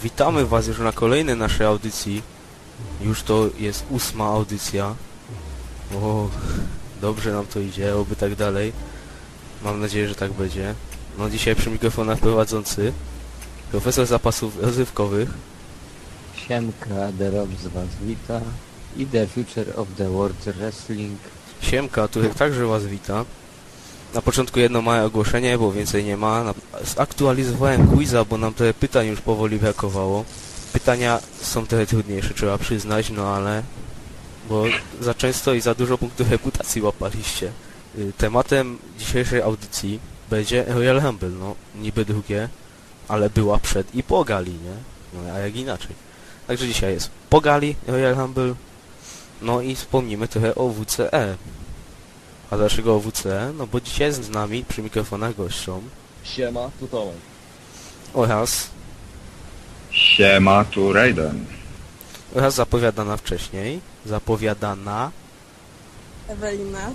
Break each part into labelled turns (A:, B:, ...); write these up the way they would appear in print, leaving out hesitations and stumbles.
A: Witamy Was już na kolejnej naszej audycji. Już to jest 8. audycja. O, dobrze nam to idzie, oby tak dalej. Mam nadzieję, że tak będzie. No dzisiaj przy mikrofonach prowadzący profesor zapasów rozrywkowych.
B: Siemka, The Rob z Was wita i The Future of the World Wrestling.
A: Siemka, Turek także Was wita. Na początku jedno małe ogłoszenie, bo więcej nie ma. Zaktualizowałem quiza, bo nam trochę pytań już powoli brakowało. Pytania są trochę trudniejsze, trzeba przyznać, no ale... Bo za często i za dużo punktów reputacji łapaliście. Tematem dzisiejszej audycji będzie Royal Rumble, no niby drugie, ale była przed i po gali, nie? No a jak inaczej. Także dzisiaj jest po gali Royal Rumble, no i wspomnimy trochę o WCE. A dlaczego o WCE? No bo dzisiaj z nami przy mikrofonach gością
C: Siema, tu Tomek.
A: oraz
D: Siema, tu Raiden.
A: zapowiadana wcześniej,
E: Ewelina.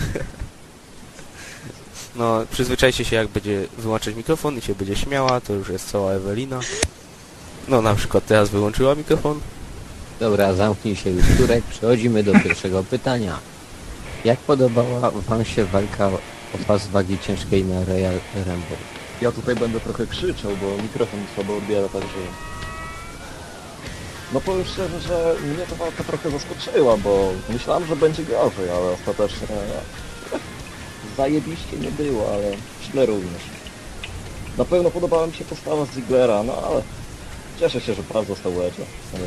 A: No przyzwyczajcie się, jak będzie wyłączać mikrofon i się będzie śmiała, to już jest cała Ewelina. No na przykład teraz wyłączyła mikrofon.
B: Dobra, zamknij się już, Turek. Przechodzimy do pierwszego pytania. Jak podobała Wam się walka o pas wagi ciężkiej na Royal Rumble?
C: Ja tutaj będę trochę krzyczał, bo mikrofon słabo odbiera, także... No powiem szczerze, że mnie ta walka trochę zaskoczyła, bo myślałem, że będzie gorzej, ale ostatecznie... Zajebiście nie było, ale źle również. Na pewno podobała mi się postawa Ziglera, no ale... Cieszę się, że pas został Edge'a.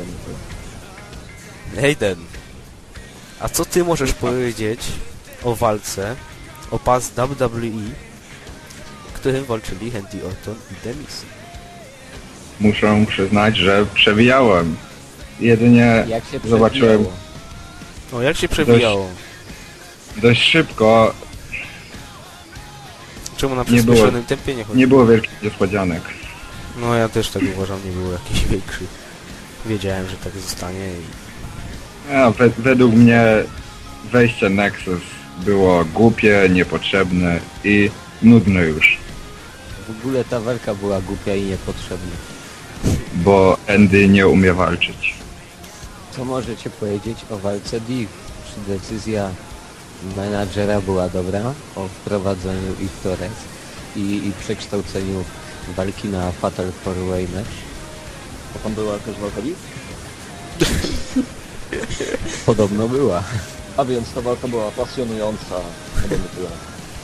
A: Hayden, a co ty możesz powiedzieć o walce o pas WWE, w którym walczyli Randy Orton i The Miz?
D: Muszę przyznać, że przewijałem. Jedynie
B: Jak się
D: zobaczyłem
B: przebijało?
A: No jak się przewijało?
D: dość szybko,
A: Czemu na
D: nie było-
A: przyspieszonym tempie nie chodzi?
D: nie było wielkich niespodzianek.
A: No ja też tak uważam, nie było jakichś większych. Wiedziałem, że tak zostanie i...
D: Według mnie wejście Nexus było głupie, niepotrzebne i nudne już,
B: W ogóle ta walka była głupia i niepotrzebna.
D: bo Andy nie umie walczyć.
B: Co możecie powiedzieć o walce Div? Czy decyzja menadżera była dobra o wprowadzeniu ich w torek i przekształceniu walki na Fatal 4-Way match?
C: A tam była jakaś walka Liv?
B: Podobno była.
C: A więc ta walka była pasjonująca, chyba nie tyle.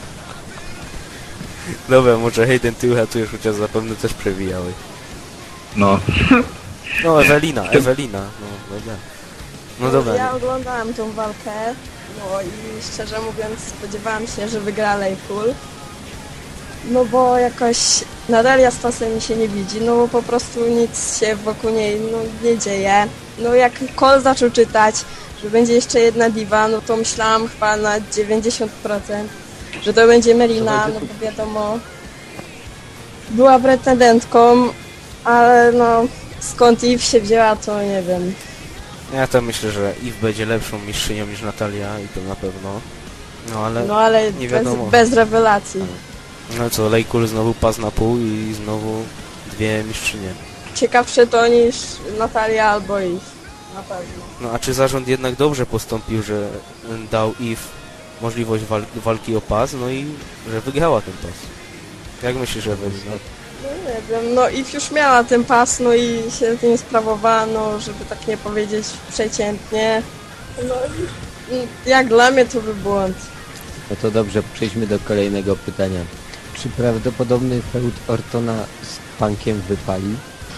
A: Dobra, może Hayden, ty uratujesz, chociaż zapewne też przewijałeś.
D: No,
A: No Ewelina, no dobra. No dobra,
E: Ja oglądałam tą walkę, no i szczerze mówiąc spodziewałam się, że wygra Laypool. No bo jakoś Natalia z Tosem mi się nie widzi, no bo po prostu nic się wokół niej nie dzieje. No jak Cole zaczął czytać, że będzie jeszcze jedna diva, no to myślałam chyba na 90%, że to będzie Melina, no bo wiadomo, była pretendentką, ale no skąd Eve się wzięła, to nie wiem.
A: ja to myślę, że Eve będzie lepszą mistrzynią niż Natalia i to na pewno.
E: No ale
A: nie wiadomo.
E: bez rewelacji.
A: No co, Laycool znowu pas na pół i znowu dwie mistrzynie.
E: Ciekawsze to niż Natalia albo Eve. Na pewno.
A: No a czy zarząd jednak dobrze postąpił, że dał Eve możliwość walki o pas, no i że wygrała ten pas? Jak myślisz, Ewelina?
E: No nie wiem, no Eve już miała ten pas, no i się tym sprawowała, no żeby tak nie powiedzieć przeciętnie. No i jak dla mnie to był błąd.
B: No to dobrze, przejdźmy do kolejnego pytania. Czy prawdopodobny feud Ortona z Punkiem wypali?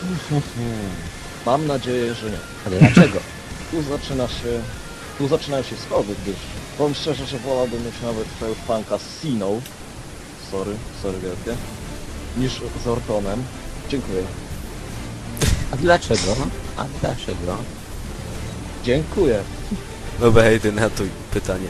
C: Mam nadzieję, że nie.
B: Ale dlaczego?
C: Tu zaczynają się schody, gdyż powiem szczerze, że wolałbym mieć nawet feud Punka z Siną. Sorry wielkie. Niż z Ortonem. Dziękuję.
B: A dlaczego? A dlaczego?
C: Dziękuję.
A: Dobra, Hayden, ratuj pytanie.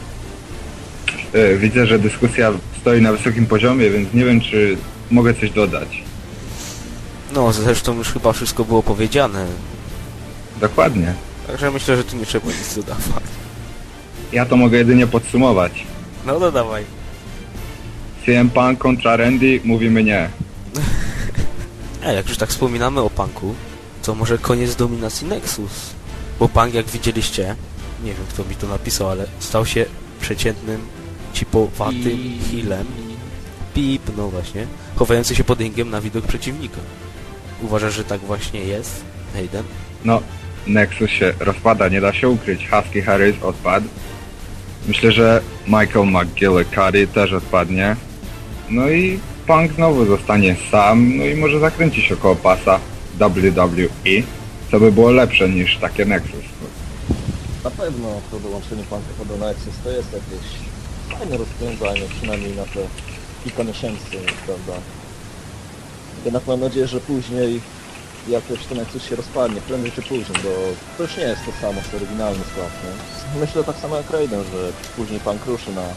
D: Widzę, że dyskusja stoi na wysokim poziomie, więc nie wiem, czy mogę coś dodać.
A: No, zresztą już chyba wszystko było powiedziane.
D: Dokładnie.
A: Także myślę, że tu nie trzeba nic dodawać.
D: Ja to mogę jedynie podsumować.
A: No dodawaj.
D: CM Punk kontra Randy, mówimy nie.
A: A jak już tak wspominamy o Punku, to może koniec dominacji Nexus. Bo Punk, jak widzieliście, nie wiem kto mi to napisał, ale stał się przeciętnym, cipowatym healem. Pip, no właśnie, chowający się pod ringiem na widok przeciwnika. Uważasz, że tak właśnie jest, Hayden?
D: No, Nexus się rozpada, nie da się ukryć. Husky Harris odpadł. Myślę, że Michael McGillicuddy też odpadnie. No i Punk znowu zostanie sam, no i może zakręci się koło pasa WWE, co by było lepsze niż takie Nexus.
C: Na pewno to dołączenie Punka do Nexus to jest jakieś fajne rozwiązanie, przynajmniej na te kilka miesięcy, prawda? Jednak mam nadzieję, że później jakoś ten Nexus się rozpadnie, prędzej czy później, bo to już nie jest to samo co oryginalny skład, nie? Myślę tak samo jak Raiden, że później Punk ruszy na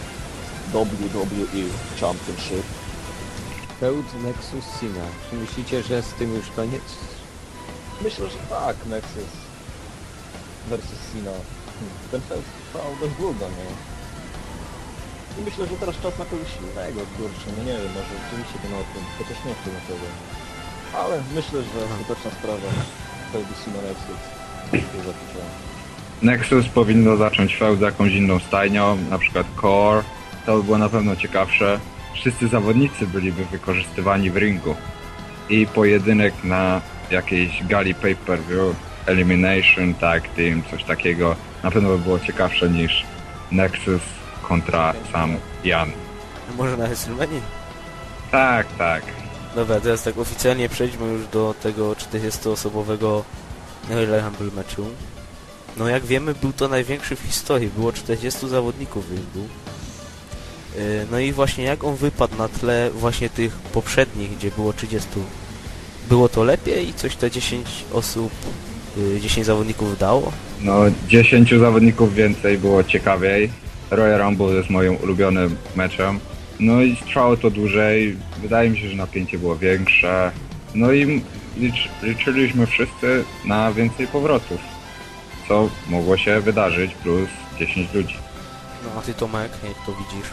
C: WWE Championship.
B: Feud Nexus Cena. Czy myślicie, że z tym już koniec?
C: Myślę, że tak, Nexus versus Cena. Ten fest trwał dość długo, nie? I myślę, że teraz czas na kogoś innego, kurczę, no nie wiem, może rzeczywiście ten o tym, chociaż nie chcę na tego. Ale myślę, że skuteczna sprawa feudu Cena Nexus się zapoczęła.
D: Nexus powinno zacząć feud z jakąś inną stajnią, na przykład Core. To by było na pewno ciekawsze. Wszyscy zawodnicy byliby wykorzystywani w ringu. I pojedynek na jakiejś gali pay-per-view, Elimination, Tag Team, coś takiego, na pewno by było ciekawsze niż Nexus kontra sam Jan.
A: Może na WrestleMania?
D: Tak, tak.
A: Dobra, teraz tak oficjalnie przejdźmy już do tego 40-osobowego Royal Rumble meczu. No jak wiemy, był to największy w historii, było 40 zawodników w ringu. No i właśnie jak on wypadł na tle właśnie tych poprzednich, gdzie było 30. Było to lepiej i coś te 10 osób, 10 zawodników dało?
D: No 10 zawodników więcej było ciekawiej. Royal Rumble jest moim ulubionym meczem. No i trwało to dłużej. Wydaje mi się, że napięcie było większe. No i liczyliśmy wszyscy na więcej powrotów. Co mogło się wydarzyć, plus 10 ludzi.
A: No a ty Tomek, jak to widzisz?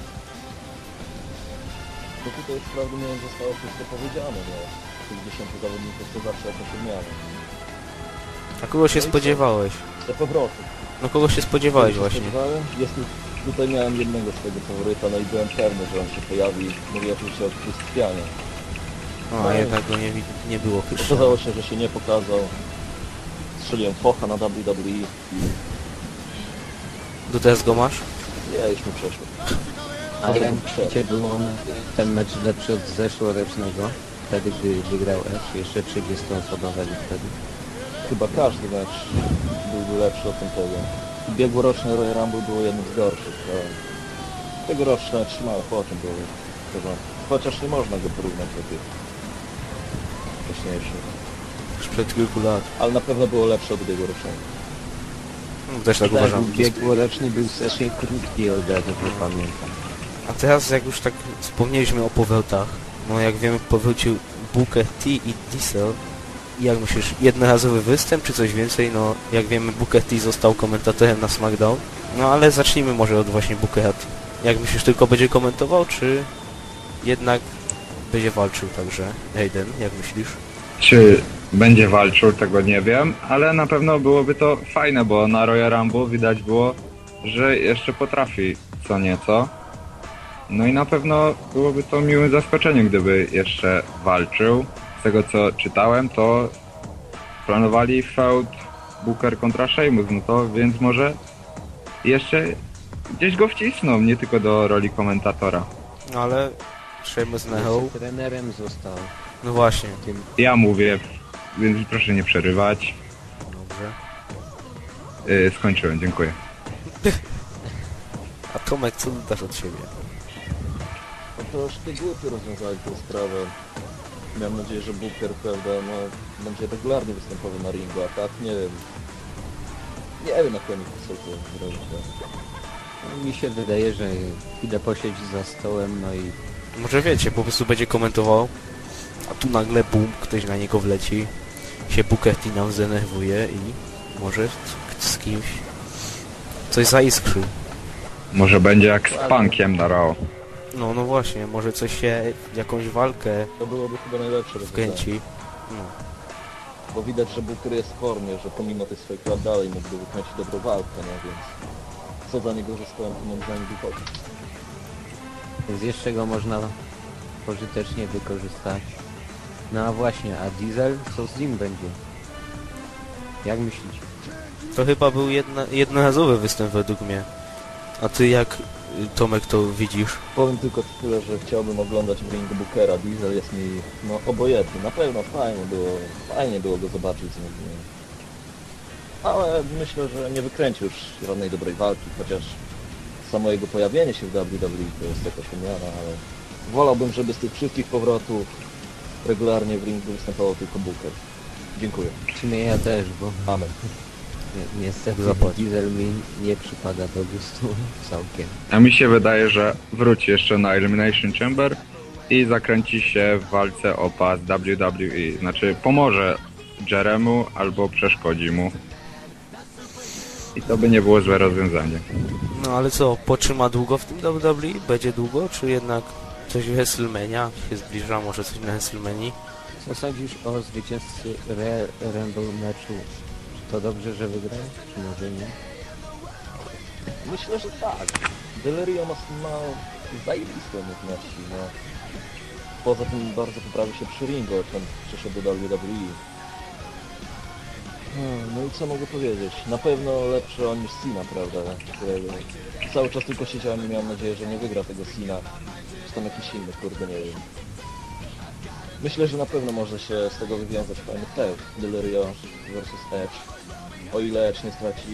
C: Bo tutaj wprawdzie nie zostało wszystko powiedziane, no. Tych 10 zawodników to zawsze jakaś odmiana.
A: A kogo się
C: No i co?
A: spodziewałeś?
C: Te powroty.
A: No kogo się spodziewałeś właśnie?
C: Spodziewałem? Tutaj miałem jednego swojego faworyta, no i byłem pewny, że on się pojawi, mówię oczywiście o Krystianie.
A: No, a jednak go nie było chyba.
C: Okazało się, że się nie pokazał. Strzeliłem focha na WWE i
A: Do teraz go masz?
C: nie, już mi przeszło.
B: A jak myślicie, był on ten mecz lepszy od zeszłorocznego? Wtedy, gdy wygrał Edge, jeszcze 30-osobowe wtedy.
C: Chyba każdy mecz byłby lepszy od tamtego. Ubiegłoroczne Royal Rumble było jednym z gorszych. Tegoroczne trzymały po czym było w porządku. Chociaż nie można go porównać do tych wcześniejszych.
A: Sprzed kilku lat.
C: Ale na pewno było lepsze od ubiegłorocznego.
A: No, też tak
B: Tak,
A: uważam.
B: ubiegłoroczny był strasznie krótki, od razu nie pamiętam.
A: A teraz jak już tak wspomnieliśmy o powrotach, no jak wiemy powrócił Booker T i Diesel. I jak myślisz, jednorazowy występ czy coś więcej? No jak wiemy Booker T został komentatorem na SmackDown. No ale zacznijmy może od właśnie Bookera T. Jak myślisz, tylko będzie komentował, czy jednak będzie walczył także? Hayden, jak myślisz?
D: Czy będzie walczył, tego nie wiem, ale na pewno byłoby to fajne, bo na Royal Rumble widać było, że jeszcze potrafi co nieco. No i na pewno byłoby to miłym zaskoczeniem, gdyby jeszcze walczył. Z tego co czytałem, to planowali feud Booker kontra Sheamus, no to więc może jeszcze gdzieś go wcisną, nie tylko do roli komentatora.
A: No ale Sheamus na Hell.
B: Jeszcze trenerem został.
A: No właśnie.
B: Tym
D: Ja mówię, więc proszę nie przerywać.
A: Dobrze.
D: Skończyłem, dziękuję.
A: A Tomek, co dasz od siebie?
C: No to już te głupie rozwiązali tę sprawę. Miałem nadzieję, że Booker, prawda, no, będzie regularnie występował na ringu, a tak nie wiem. Nie wiem, jak oni chcą to zrobić.
B: mi się wydaje, że idę posiedzieć za stołem, no i
A: Może wiecie, po prostu będzie komentował, a tu nagle bum, ktoś na niego wleci, się Booker T nam zdenerwuje i może z kimś coś zaiskrzy.
D: Może będzie jak z Punkiem na Raw.
A: No właśnie, może coś się, jakąś walkę
C: To byłoby chyba najlepsze rozwiązanie.
A: wkręci. No.
C: Bo widać, że Booker jest w formie, że pomimo tych swoich lat dalej mógłby wykręcić dobrą walkę, nie? Więc co za niego zostałem, to moim zdaniem wychodzi.
B: Więc jeszcze go można pożytecznie wykorzystać. No a właśnie, a Diesel co z nim będzie? Jak myślicie?
A: To chyba był jednorazowy występ według mnie. A ty jak, Tomek, to widzisz?
C: Powiem tylko tyle, że chciałbym oglądać w ringu Bookera. Diesel jest mi no obojętny. Na pewno fajnie było go zobaczyć znów. Nie? Ale myślę, że nie wykręci już żadnej dobrej walki, chociaż samo jego pojawienie się w WWE to jest jakaś umiana, ale wolałbym, żeby z tych wszystkich powrotów regularnie w ringu występował tylko Booker. Dziękuję.
B: W sumie ja też, bo
C: Amen.
B: niestety
A: Zapłać.
B: Diesel mi nie przypada do gustu całkiem.
D: A mi się wydaje, że wróci jeszcze na Elimination Chamber i zakręci się w walce o pas WWE. Znaczy pomoże Jeremu albo przeszkodzi mu. I to by nie było złe rozwiązanie.
A: No ale co, potrzyma długo w tym WWE? Będzie długo, czy jednak coś w WrestleMania się zbliża, może coś na WrestleManii?
B: Co sądzisz o zwycięzcy Rumble meczu? Czy to dobrze, że wygrał, czy może nie?
C: Myślę, że tak. Delirio ma zajebiste umiejętności, no. Poza tym bardzo poprawił się przy ringu, odkąd przyszedł do WWE. No i co mogę powiedzieć? Na pewno lepszy on niż Cena, prawda? Którego cały czas tylko siedziałem i miałem nadzieję, że nie wygra tego Cena. Czy tam jakiś inny, kurde, nie wiem. Myślę, że na pewno może się z tego wywiązać fajny feud. Delirio versus Edge. O ile Edge nie straci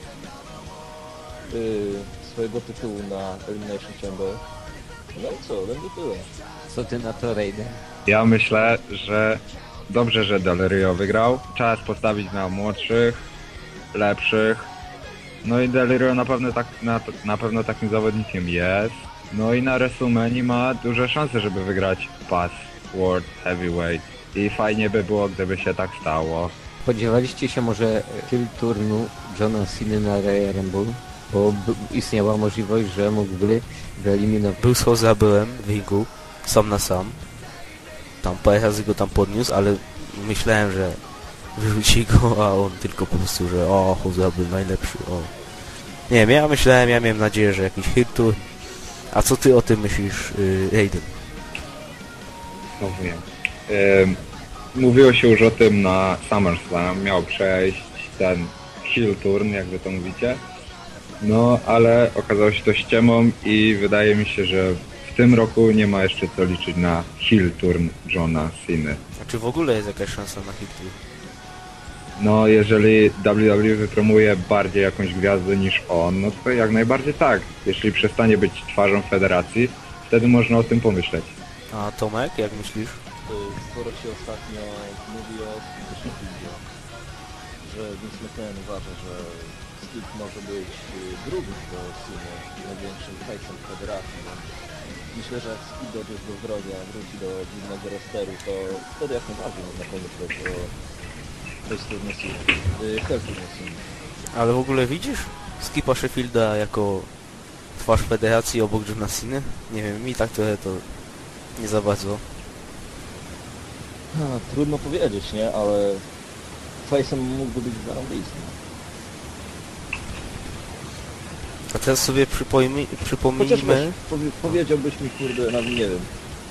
C: swojego tytułu na Elimination Chamber. No i co, będzie tyle.
B: Co ty na to, Raiden?
D: Ja myślę, że dobrze, że Del Rio wygrał. Czas postawić na młodszych, lepszych. No i Del Rio na pewno takim zawodnikiem jest. No i na WrestleMania ma duże szanse, żeby wygrać pas World Heavyweight. I fajnie by było, gdyby się tak stało.
B: Spodziewaliście się może kill turnu Johna Cena na Royal Rumble? Bo istniała możliwość, że mógłby wyeliminować.
A: Był schodzę, byłem w ringu, sam na sam. Tam parę razy go tam podniósł, ale myślałem, że wyrzuci go, a on tylko po prostu, że o, Choza był najlepszy, o. Nie wiem, ja miałem nadzieję, że jakiś hit tu. A co ty o tym myślisz, Raiden?
D: No wiem. Mówiło się już o tym na SummerSlam. Miał przejść ten heel turn, jak wy to mówicie. No, ale okazało się to ściemą i wydaje mi się, że w tym roku nie ma jeszcze co liczyć na heel turn Johna Cena.
A: A czy w ogóle jest jakaś szansa na hit tu?
D: No, jeżeli WWE wypromuje bardziej jakąś gwiazdę niż on, no to jak najbardziej tak. Jeśli przestanie być twarzą federacji, wtedy można o tym pomyśleć.
A: A Tomek, jak myślisz?
C: Sporo się ostatnio mówi o Skipie, że Vince McMahon uważa, że Skip może być drugim do Cena, największym hejsem federacji. Więc myślę, że jak Skip dojdzie do zdrowia, wróci do głównego rosteru, to wtedy jak najbardziej można pomyśleć o tej turnie Cena. Hell turnie Cena.
A: Ale w ogóle widzisz Skipa Sheffielda jako twarz federacji obok Johna Cena? Nie wiem, mi tak trochę to nie za bardzo.
C: Trudno powiedzieć, nie? Ale face'em mógłby być zarąbisty.
A: A teraz sobie
C: Chociaż
A: przypomnijmy...
C: powiedziałbyś mi, kurde, nawet nie wiem,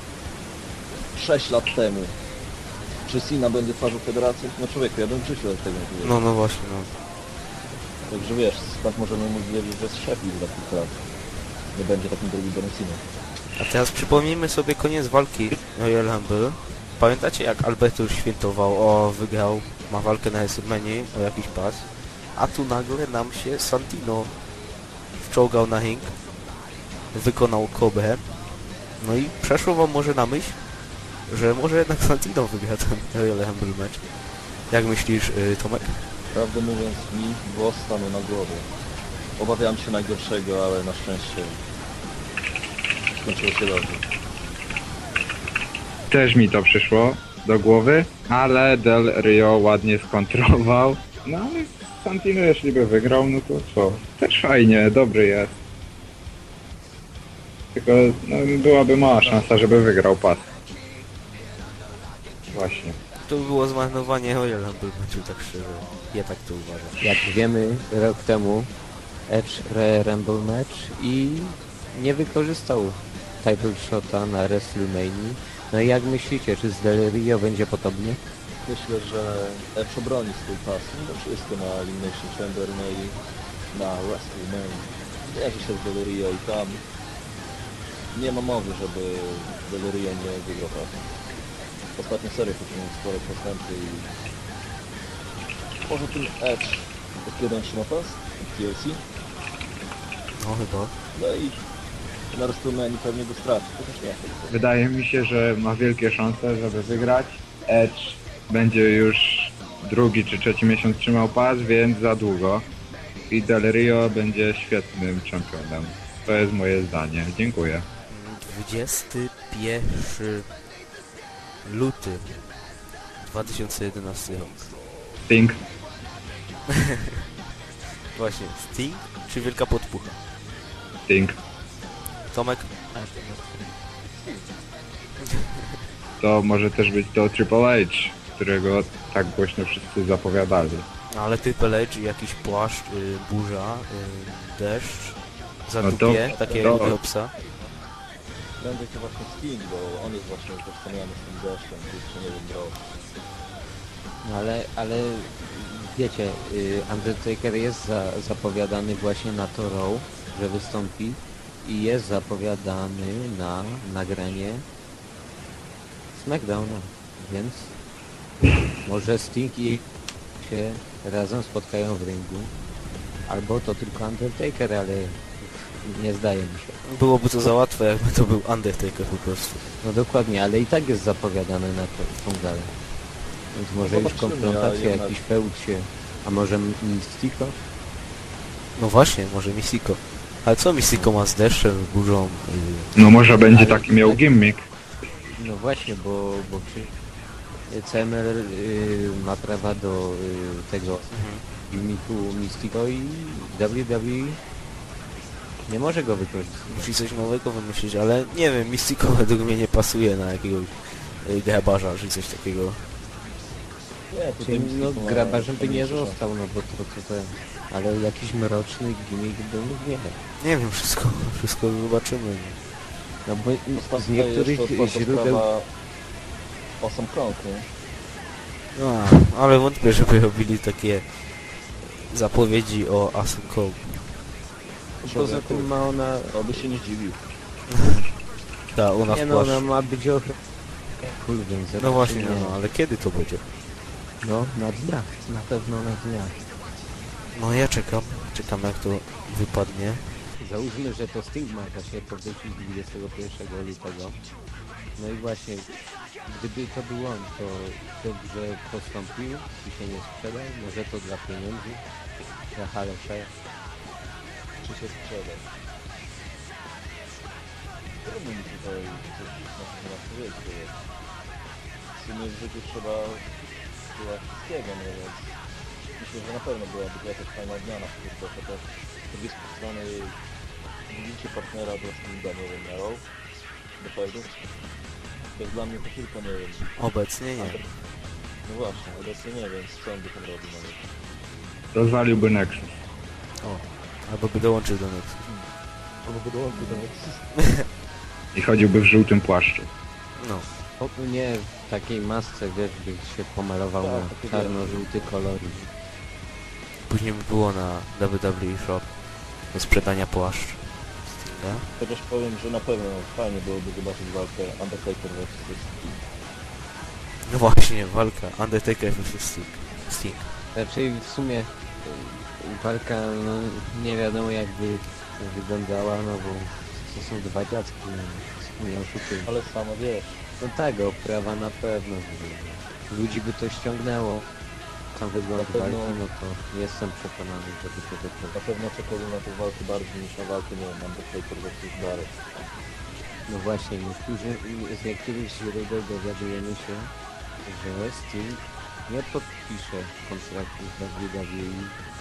C: 6 lat temu, czy Cena będzie twarzą federacji? No człowieku, ja bym w życiu od tego nie powiedział.
A: No właśnie, no.
C: Także wiesz, skąd możemy móc wiedzieć, że z Sheffield za kilka lat nie będzie takim drugim Johnem Cena.
A: A teraz przypomnijmy sobie koniec walki Royal Rumble. Pamiętacie jak Alberto świętował, o wygrał, ma walkę na WrestleMania o jakiś pas, a tu nagle nam się Santino wczołgał na ring, wykonał kobrę, no i przeszło wam może na myśl, że może jednak Santino wygra ten Royal Rumble match. Jak myślisz, Tomek?
C: Prawdę mówiąc, mi włos stanął na głowie. Obawiałem się najgorszego, ale na szczęście skończyło się dobrze.
D: Też mi to przyszło do głowy, ale Del Rio ładnie skontrował. No ale Santino jeśli by wygrał, no to co? Też fajnie, dobry jest. Tylko no, byłaby mała szansa, żeby wygrał pas. Właśnie.
A: To by było zmarnowanie Royal Rumble meczu, tak szczerze. Ja tak to uważam.
B: Jak wiemy, rok temu Edge Rumble match i nie wykorzystał title shota na WrestleMania. No i jak myślicie, czy z Del Rio będzie podobnie?
C: Myślę, że Edge obroni swój pas mimo wszystko na Elimination Chamber, no i na WrestleMania. Wierzy się w Del Rio i tam nie ma mowy, żeby Del Rio nie wygrał pasu. Ostatnie serie poczynił spore postępy i poza tym Edge jak jeden trzyma pas w TLC,
A: No chyba.
C: no i na WrestleMania pewnie go straci, chociaż nie.
D: Wydaje mi się, że ma wielkie szanse, żeby wygrać. Edge będzie już drugi czy trzeci miesiąc trzymał pas, więc za długo. I Del Rio będzie świetnym czempionem. To jest moje zdanie. Dziękuję.
A: 21 luty 2011 rok.
D: Sting.
A: Właśnie, Sting czy Wielka Podpucha?
D: Sting.
A: Tomek?
D: To może też być to Triple H, którego tak głośno wszyscy zapowiadali.
A: No ale Triple H, jakiś płaszcz, burza, deszcz, zadupie, takiego psa.
C: Prędzej to właśnie Sting, bo on jest właśnie utożsamiany z tym deszczem, jeszcze nie wiem, rok.
B: No ale wiecie, Undertaker jest zapowiadany właśnie na to Raw, że wystąpi i jest zapowiadany na nagranie SmackDowna, więc może Sting i się razem spotkają w ringu, albo to tylko Undertaker, ale nie zdaje mi się.
A: Byłoby to za łatwe, jakby to był Undertaker po prostu.
B: No dokładnie, ale i tak jest zapowiadany na tą galę. Więc może już
C: Zobaczymy,
B: konfrontacja,
C: a jednak-
B: jakiś feud się... A może Mystico?
A: No właśnie, może Mystico. Ale co Mystico ma z deszczem, burzą?
D: No może będzie taki miał gimmick.
B: No właśnie, bo CML ma prawa do tego gimmiku Mystico i WWE nie może go wykorzystać.
A: Musi coś nowego wymyślić, ale nie wiem, Mystico według mnie nie pasuje na jakiegoś grabarza, czy coś takiego.
C: Nie, tutaj
B: Czyli, no
C: Mystico ma
B: grabarzem by nie
C: mniejsze szanse.
B: został, no bo to ten... Ale jakiś mroczny gimmick był, nie.
A: Nie wiem, wszystko zobaczymy.
B: No bo z
C: Ostatnio
B: niektórych
C: jeszcze otwarta
B: źródeł...
C: sprawa Awesome Kong, nie?
A: No, ale wątpię, żeby robili takie zapowiedzi o Awesome Kong.
B: Poza tym ma ona...
C: To by się nie zdziwił.
A: Ta, ona
B: Nie
A: w
B: no,
A: płaszczu.
B: ona ma być cool, więc
A: No właśnie,
B: raczej nie.
A: no, ale kiedy to będzie?
B: No, na dniach, na pewno na dniach.
A: No ja czekam jak to wypadnie.
B: Załóżmy, że to Sting ma się powrócić 21 lutego. No i właśnie, gdyby to był on, to dobrze postąpił i się nie sprzedał, może to dla pieniędzy, dla Halo Share.
C: Czy się sprzedać? Trudno mi tutaj coś na temat powiedzieć, bo w sumie w życiu trzeba była wszystkiego, no więc myślę, że na pewno byłaby to jakaś fajna odmiana, tylko to też z drugiej strony widzicie partnera do Stinga, nie wiem, Arrow, do fajdu. To jest dla mnie to tylko, nie wiem,
A: Obecnie nie.
C: no właśnie, obecnie nie wiem, co on by tam robił nawet.
D: Rozwaliłby Nexus.
A: Albo by dołączył do nas.
C: Albo by dołączył do Nexus.
D: I chodziłby w żółtym płaszczu.
A: No.
B: O, nie w takiej masce, wiesz, by się pomalował
C: Tak,
B: na
C: takie
B: czarno-żółty kolor.
A: Później by było na WWE Shop do sprzedania płaszcz. Stinga.
C: Chociaż powiem, że na pewno fajnie byłoby zobaczyć walkę Undertaker vs. Sting.
A: No właśnie, walka Undertaker vs Sting.
B: Raczej w sumie walka, no, nie wiadomo jakby wyglądała, no bo to są dwa dziadki, no, nie oszukujmy.
C: Ale samo wiesz,
B: No tak, oprawa na pewno. Ludzi by to ściągnęło. Sam wygląd
C: Na pewno-
B: walki, no to jestem przekonany, żeby to
C: na
B: wykonać.
C: pewno czekałbym na tę walkę bardziej niż na walkę, nie wiem, Undertaker vs. Barrett.
B: No właśnie, z niektórych źródeł dowiadujemy się, że Sting nie podpisze kontraktu z WWE